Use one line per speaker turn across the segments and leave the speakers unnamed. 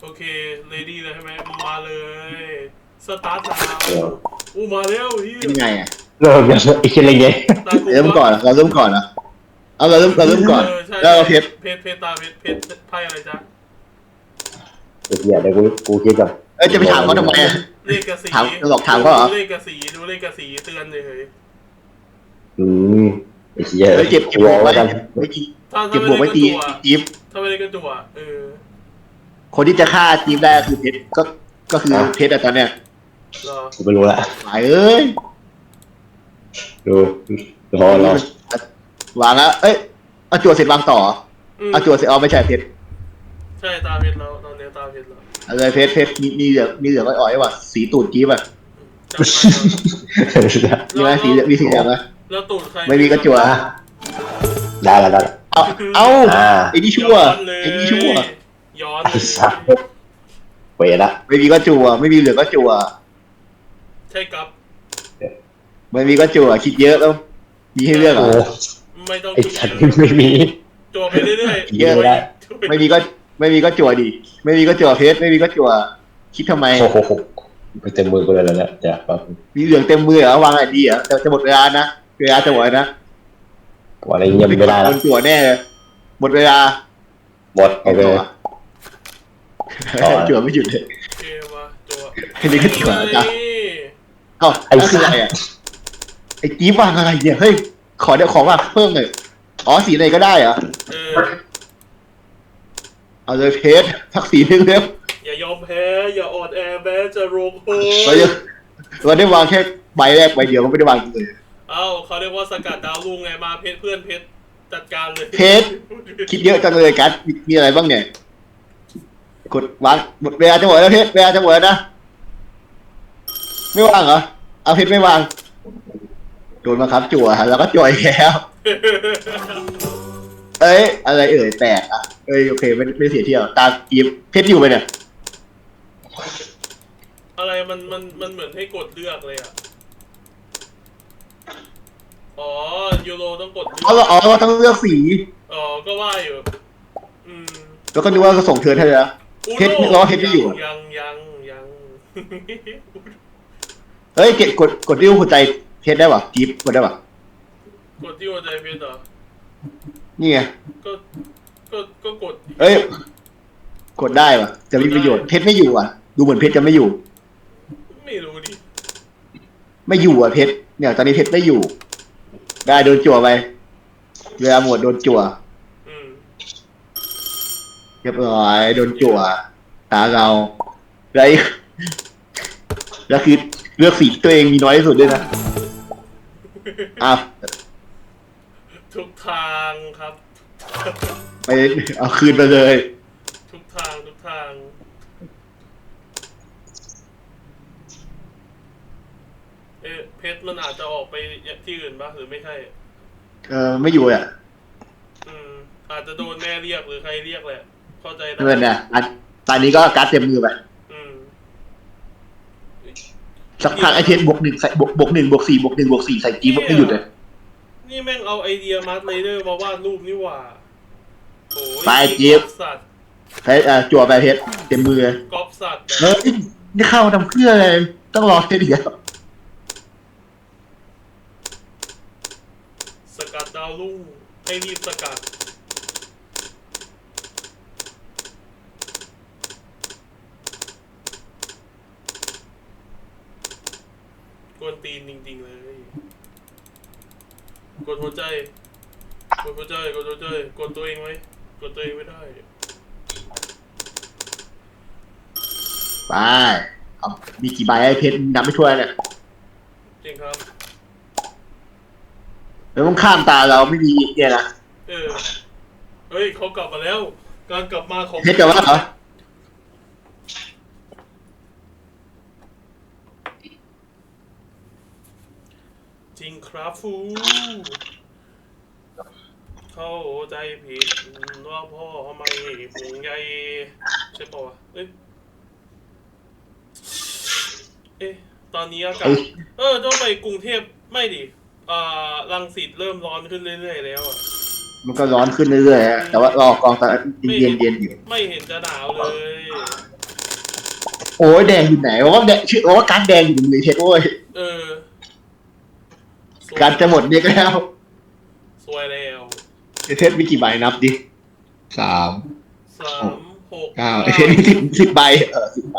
เคเรดี้เลยใช่ไหมมาเลยสตาร์ทแล้วอู้มาแล้วที่
เป็นไงอ่ะ
เริ่มยังอีกอะไรเงี้ย
ตากู
เริ่มก่อนเราเริ่มก่อนนะเอาเราเริ่มก่อน
ใช่
แล้วเราเพชร
เพชรตาเพชรไพ่อะไรจ๊ะ
เดี๋ยวกูคิดก่อน
เอ้ยจะไปถามเขาทำไมอ่ะ
เลขกระสี
ถามหลอกถามเขาเหรอ
ดูเลขกระสีเตือนเลย
อืมไอ้เหี้ย
เฮ้ยเก็บบวกไว้
กัน
ไม่จี
ถ้า
เก็บบวกไว้ตีจี๊บ
ถ้าไม่ได้ก็จั่ว
คนที่จะฆ่าจี๊บได้คือเพชรก็คือเพชรอะตอนเนี้ย
รอ
กูไม่รู้ละ
หายเอ้ย
ดูรอ
วางแล้วเอ้ยเอาจั่วเสร็จวางต่อเอาจั่วเสร็จเอาไม่ใช่เพชร
ใช่ตาเพชรแล้วตอนนี้ตาเพชรแล้ว
เอาเลยเพชรมีเหลืองอ่อยๆว่ะสีตูดจี๊บอ่ะมีไหมสีมีสีเหลืองไหม
แล้วตูดใคร
ไม่มีก็จั่ว
ได้แล้ว
เอาไอ้นี่ชั่วไอ้นี่ชั่ว
ย้อน
ไอ้สัตว์เวละ
ไม่มีก็จั่วไม่มีเหลืองก็จั่ว
ใช่ครับ
ไม่มีก็จั่วคิดเยอะแล้วมีให้เลือก
โอ้
อ่ะ
ไม่ต้อง
ไอ้สัตว์ไม่มี
จั่วไปเรื่อย
เยอะได้ ไม่มีก็จั่วดิไม่มีก็จั่วเพชรไม่มีก็จั่วคิดทำไม
โอ้โหไปเต็มมือกูเลยแล้วเนี่ยจ้ะปั๊บ
มีเหลืองเต็มมือเหรอวางไอดีเหรอจะหมดเวลานะเวลาจะหมดนะ
อะไรเงี้ยไม่ได้
โด
แล้ว
นจั่วแน่เลยหมดเวลา
หมดโอเค
จั่วไม่หยุดเลย
โอเคมาจั่ว
แค่นี้ก็จั่วแล้วจ้ะเอ้าไอ้คืออะไรอ่ะไอ้จี๊บวางอะไรเนี่ยเฮ้ยเดี๋ยวขอวางเพิ่มหน่อยอ๋อสีไหนก็ได้เหรอเอาเลยเพชรสักสีหนึ่งเร็ว
อย่ายอมแพ้อย่าอ่อนแอแม้จะลงโท
เราได้วางแค่ใบแรกใบเดียวก็ไม่ได้วางเลย
เอ้าเขาเรียกว่าสกัดดาวรุ่งไงมาเพชรเพื่อนเพชรจัดการเลย
เพชรคิดเยอะจังเลยกัสมีอะไรบ้างเนี่ยกดวางหมดเวลาจะหมดแล้วเพชรเวลาจะหมดแล้วนะไม่วางเหรอเอาเพชรไม่วางโดนมาครับจั่วแล้วก็จั่วอีกแล้วเอ้ยอะไรแตกอ่ะเอ้ยโอเคไม่เสียเที่ยวตามกีบเพชรอยู่ไปเนี่ย
อะไรมันเหมือนให้กดเลือกเลยอ่ะอ๋อยูโรต้องกดเลือก
อ๋อต้องเลือกสี
อ๋อก็ว่าอยู่
แล้วก็นึกว่าจะส่งเธอให้แล้วเพชรล้อเพชรไม่อยู่
ยัง
เฮ้ยกดริ้วหัวใจเพชรได้ป่ะกีบกดได้ป่ะ
กดที่หัวใจเพชรเหรอ
นี่ไง
ก็กด
เอ้ยกดได้ป่ะจะมีประโยชน์เพชรไม่อยู่อ่ะดูเหมือนเพชรจะไม่อยู่
ไม่รู้ดิ
ไม่อยู่อ่ะเพชรเนี่ยตอนนี้เพชรไม่อยู่ ได้โดนจั่วไปเวลาหมดโดนจั่วเรียบร้อยโดนจั่วตาเราแล้วคือเลือกสีตัวเองมีน้อยที่สุดด้วยนะอ้าว
ทุกทางครับ
ไปเอาคืนไปเลย
ทุกทางเพชรมันอาจจะออกไปที่อื่นบ้างหรือไม่ใช่
ไม่อยู่อ่ะ
อาจจะโดนแม่เรียกหรือใครเรียกแหละเข้าใจได้
เงินเนี่ยตอนนี้ก็การ์ดเต็มมือไปสักพักไอเพชรบวก 1ใส่บวก 1บวก 4บวก 1บวก 4ใส่จีบไม่หยุดเลย
นี่แม่งเอาไอเดียมาร์ทไรเดอร์มาวาดรูปนี่หว่าโอ้ย
ไปจีบ
สัตว์
ใช้จั่วไปเพชรเต็มมือ
ก๊อปสัตว์
เฮ้ยนี่เข้าทำเพื่ออะไรต้องรอแค่เดียว
สกัดดาวรุ่งให้รีบสกัดกวนตีนจริงๆเลยกดหัวใจกดตัวเองไว้กดตัวเองไม่ได้
ไปเอามีกี่ใบไอเพชรนับไม่ถ้วนเนี่ย
จริงครับ
แล้วต้องข้ามตาเราไม่มีเนี่ยนะ
เฮ้ยเขากลับมาแล้วการกลับมาของ
เพชรจะว่าเหรอ
จริงครับฟูเข้าใจผิดว่าพ่อไม่ห่วงใยใช่ป่าวตอนนี้อากาศต้องไปกรุงเทพไม่ดิรังสิตเริ่มร้อนขึ้นเรื่อยๆแล้วอ่ะ
มันก็ร้อนขึ้นเรื่อยๆแต่ว่ารอกองตาเย็นอยู่
ไม่เห็นจะหนาวเลย
โอ้ยแดงอยู่ไหนว่าแดงชื่อว่าการดแดงอยู่ในเพชรโว้ย
เออสวย
การดจะหมดเนี่ยก็แล้ว
สวยแล้ว
เพชรมีกี่ใบนับดิ3
3 6
9ไอเพชรมี10 ใบ10 ใบ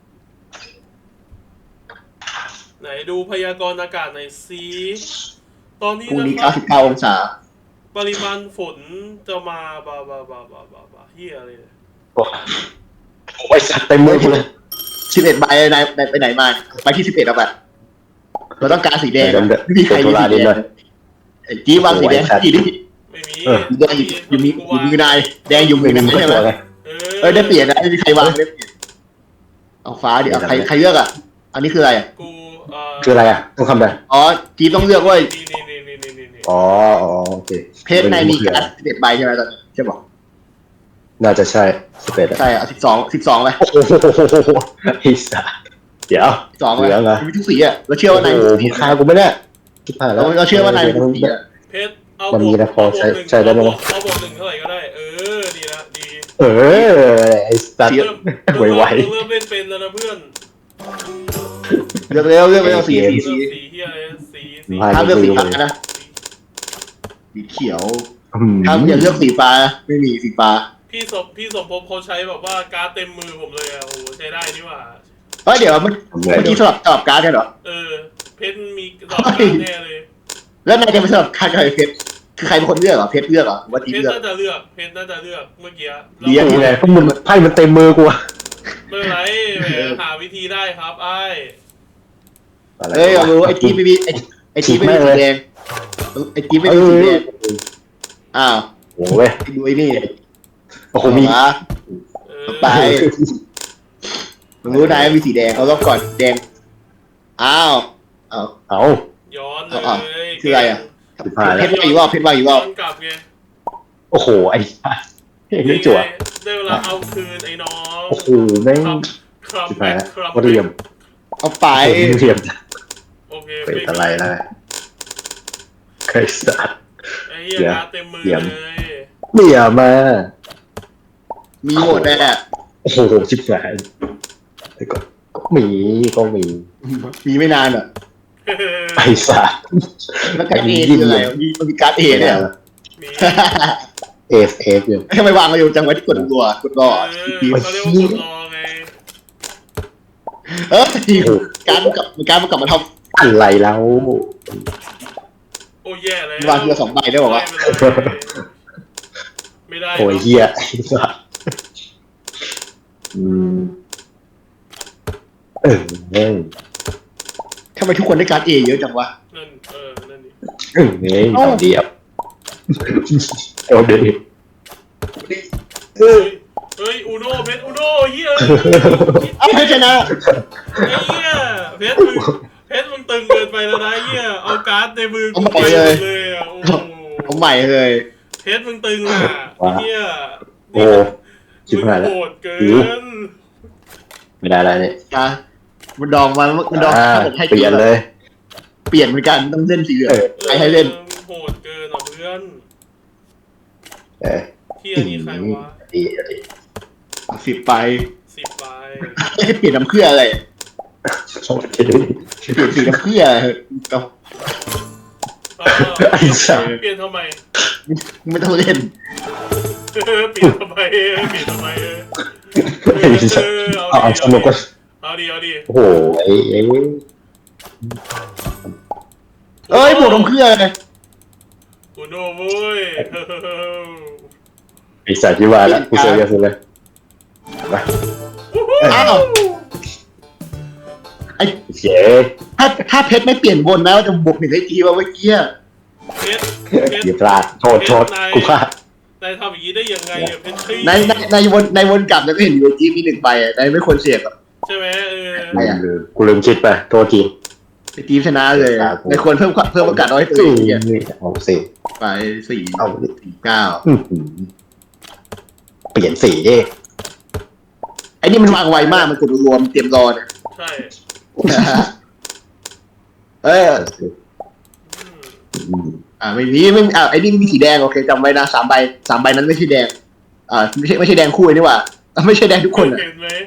ไหนดูพยากรณ์อากาศหน่อยสิตอนนี้
พรุ่ง
นะ
นี้
ครับ
99 องศา
ปริมาณฝนจะมาบาเฮียอะไรเนี่ย
โอ้ยสัตว์เต็มมือกูเลย
11 ใบนายไปไหนมาไปที่11เอาไปเราต้องการสีแดงไม่มีใครมีสีแดงไอ้จี้วางสีแดงทีนี้
ไม่มี
สีแดงอยู่มือนายแดงอยู่มือนายใช่ไหม ได้เปลี่ยนนะไม่มีใครวางได้เปลี่ยนเอาฟ้าดิเอาใครเลือกอ่ะอันนี้คืออะไรอ่ะ
กู
คืออะไรอ่ะต้องทำอะไร
อ๋อจีต้องเลือกว่า
นี่
อ๋อโอเค
เพศในมีการ11 ใบใช่ไหมตอนนี้ใช่บอก
น่าจะใช่11
ใช่อ่ะ12ไป
โอ้โหไอ้สัสเดี๋ยว
12ไป
เหลืองเหรอ
มีทุกสีอ่ะเราเชื่อว่านาย
โอ้โหมึงฆ่ากูไม่ได้คิดผ่านแล้ว
เราเชื่อว่านายมีทุกสีอ่ะ
เพชรเอา
มันมีนะพอใช้
บวกหนึ่ง
ใช้ได้ไหม
เอาบวก1เท่าไหร่ก็ได้ดีละดี
เออไอ้สัส
เริ่ม
ไว
เริ่มเล่นเป็นแล้วนะเพื่อน
เลือกเร็วสี
เลือกสีเฮียสี
ห้ามเลือกสีฟ้านะสีเขียว
อืม
ห้ามอย่าเลือกสีฟ้าไม่มีสีฟ้า
พี่สมภพเขาใช้แบบว่าการ์ดเต็มมือผมเลยอ่ะโอ้โหใช้ได้นี่หว่า
เฮ้ยเดี๋ยวเมื่อกี้สลับการ์ดกันเหรอ
เพชรมีสอบการ์ดแน่เลย
แล้วนายจะไปสลับการ์ดกับเพชรคือใครเป็นคนเลือกเหรอเพชรเลือกเหรอว่าจี
เพชร
เลือก
น่าจะเลือกเพชรน่าจะเลือกเมื่อกี้
เดี๋ยว
นี่ไงพวกมึงไพ่มันเต็มมือกูอะ
ไม่เป็นไรแหมหาวิธีได้ครับไอ้
เอ้ยเรารู้ไอ้จีไม่มีไอ้จีไม่มีสีแดงไอ้จีไม่มีสีแดงอ้าว
โอ้ย
ดูไอ้นี่
โอ้โหมี
ไปมึงรู้นายมีสีแดงเขาต้องก่อนแดงอ้าวอ้าว
เอา
ย้อนเล
อ้าวย คืออะไรอ่ะ
ผ่าน
เพ
แล้ว
ชรว่าอยู่ว่าเพชรว่าอยู่
ย้
ว่า
อนกลับไง
โอ้โหไอ้สัสเรื่องจั่ว
ได้เวลาเอาคืนไอ้น้อง
โอ้โหแม่ง
ครับ
สิบแปด
ครับ
วัดเหลี่ยม
เอาไป
เหลี่ยม
โอเค
เป็นอะไรนะเคยสัตว์
ไอ้เหี้ยการ์ดเต็มมือ
เหลี่ยม
เลย
เหลี่ยมมา
มีหมดแน่
โอ้โหชิบหายแต่ก็มี
มีไม่นานอ่ะ
ไอ้สัส
แล้วการ์ดเอคืออะไรมันมีการ์ดเอเนี่ย
มี
เอฟอยู่
ทำไมวางมาอยู่จังไว้ที่กดรัวกดรอ
เขาเรียกว่ากดรอไง
การมันกลับมาท
อะไรแล้ว
โอ้แย่เลย
ำวางทีละ2 ใบได้บอกว่า
ไม่ได้
โอ้ยเฮียไอ้สัสอืมเออ
ทำไมทุกคนได้การ์ดเอเยอะจังวะ
นั่นนั่นดิ
นี่เอาเดียวเอาเดียว
เฮ้ยอูโน่เพชรอูโน่เฮีย
เอาให้ชนะ
ไอ้เฮียเพชรมึงตึงเกินไปแล้วนะเฮียเอาการ์ดในมือกูไปเลยอ่ะโอ้
เอาใหม่เลย
เพชรมึงตึงอ่ะเฮีย
โอ้ชิบหายแล้ว
โหดเกิน
ไม่ได้แล้วเนี่ย
นะมันดองให้
เปลี่ยนเลย
เปลี่ยนเหมือนกันต้องเล่นสีเหลืองให้เล่น
โหดเกินอ่ะเพื่อน
เออ
เฮียนี่ใครวะ
ดี
10 ไป
10 ใบ
เปลี่ยนน้ำเพื่ออะไร
ชอบคิดดู
เปลี่ยนสีน้ำเพื่อก็
ไอ้สัส
เปลี่ยนทำไม
ไม่ต้องเล่น
เปลี่ยนทำไม
ไอ้สัสเอาสนุกก็
เอาดี
โอ้โหไอ้
เอ้ยบวกน้ำเพื่อเลย
อูโน่เว้ย
ไอ้สัสที่ว่าแล้วกูเสียสุดเลยไป
อ้าวไอ้
เจ๊
ถ้าเพชรไม่เปลี่ยนวนนะจะบวก1ให้จีว่าเมื่อกี้
เพชร
อย่าพลาดโทษกูพลาด
นายทำอย่างนี้ได้ยังไงอ่ะเพชรชี้
ในวนกลับแล้วก็เห็นอยู่จีมี1 ใบอ่ะนายไม่ควรเสียบอ่ะ
ใช่ไหม
กูลืมคิดไปโทษที
ไอ้จีชนะเลยในควรเพิ่มโอกาสน้อยตัวเองเนี่ย
เอาสิ
ไป4
เอา
9
เปลี่ยนสีดิ
ไอ้นี่มันวางไวมากมันกดรวมเตรียมรอเนี่ย
ใช่
ไม่มีไอ้นี่มีสีแดงโอเคจำไว้นะ3 ใบนั้นไม่ใช่แดงไม่ใช่แดงคู่นี่หว่าไม่ใช่แดงทุกคนอ่ะ
เห็นไหม